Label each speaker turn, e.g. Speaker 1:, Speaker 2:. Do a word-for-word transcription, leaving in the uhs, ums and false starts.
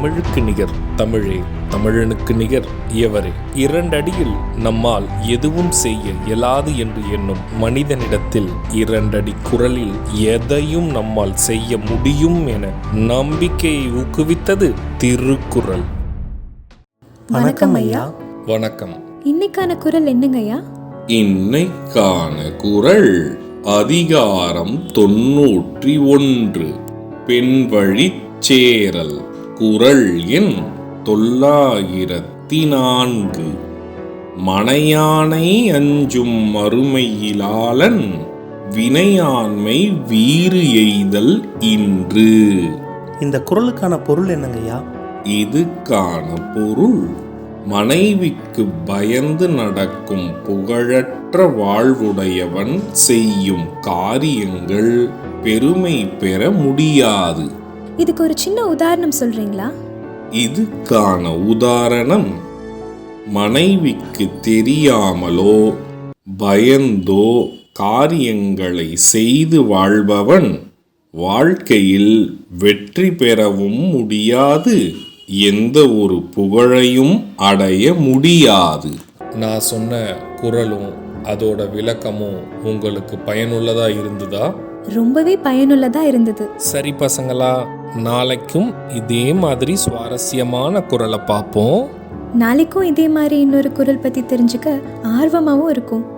Speaker 1: தமிழுக்கு நிகர் தமிழே, தமிழனுக்கு நிகர் எவரே. இரண்டடியில் நம்மால் எதுவும் செய்ய இயலாது என்று எண்ணும் மனிதனிடத்தில் இரண்டடி குரலில் எதையும் நம்மால் செய்ய முடியும் என நம்பிக்கையை ஊக்குவித்தது திருக்குறள்.
Speaker 2: வணக்கம் ஐயா.
Speaker 1: வணக்கம்.
Speaker 2: இன்னைக்கான குறள் என்னங்க ஐயா?
Speaker 3: இன்னைக்கான குறள் அதிகாரம் தொன்னூற்றி ஒன்று, பெண்வழிச் சேரல். குறள் எண் தொள்ளாயிரத்தி நான்கு. மனையானை அஞ்சும் மறுமையிலாளன் வினையாண்மை வீறு எய்தல் இன்று.
Speaker 4: இந்த குறளுக்கான பொருள் என்னங்கய்யா?
Speaker 3: இதுக்கான பொருள், மனைவிக்கு பயந்து நடக்கும் புகழற்ற வாழ்வுடையவன் செய்யும் காரியங்கள் பெருமை பெற முடியாது.
Speaker 2: இதுக்கு ஒரு சின்ன உதாரணம் சொல்றீங்களா?
Speaker 3: இதுக்கான உதாரணம், மனைவிக்கு தெரியாமலோ பயந்தோ காரியங்களை செய்து வாழ்பவன் வாழ்க்கையில் வெற்றி பெறவும் முடியாது, எந்த ஒரு புகழையும் அடைய முடியாது.
Speaker 1: நான் சொன்ன குறளும் அதோட விளக்கமும் உங்களுக்கு பயனுள்ளதா இருந்ததா?
Speaker 2: ரொம்பவே பயனுள்ளதா இருந்தது.
Speaker 1: சரி பசங்களா, நாளைக்கும் இதே மாதிரி சுவாரஸ்யமான குறளை பார்ப்போம்.
Speaker 2: நாளைக்கும் இதே மாதிரி இன்னொரு குறள் பத்தி தெரிஞ்சுக்க ஆர்வமாவும் இருக்கும்.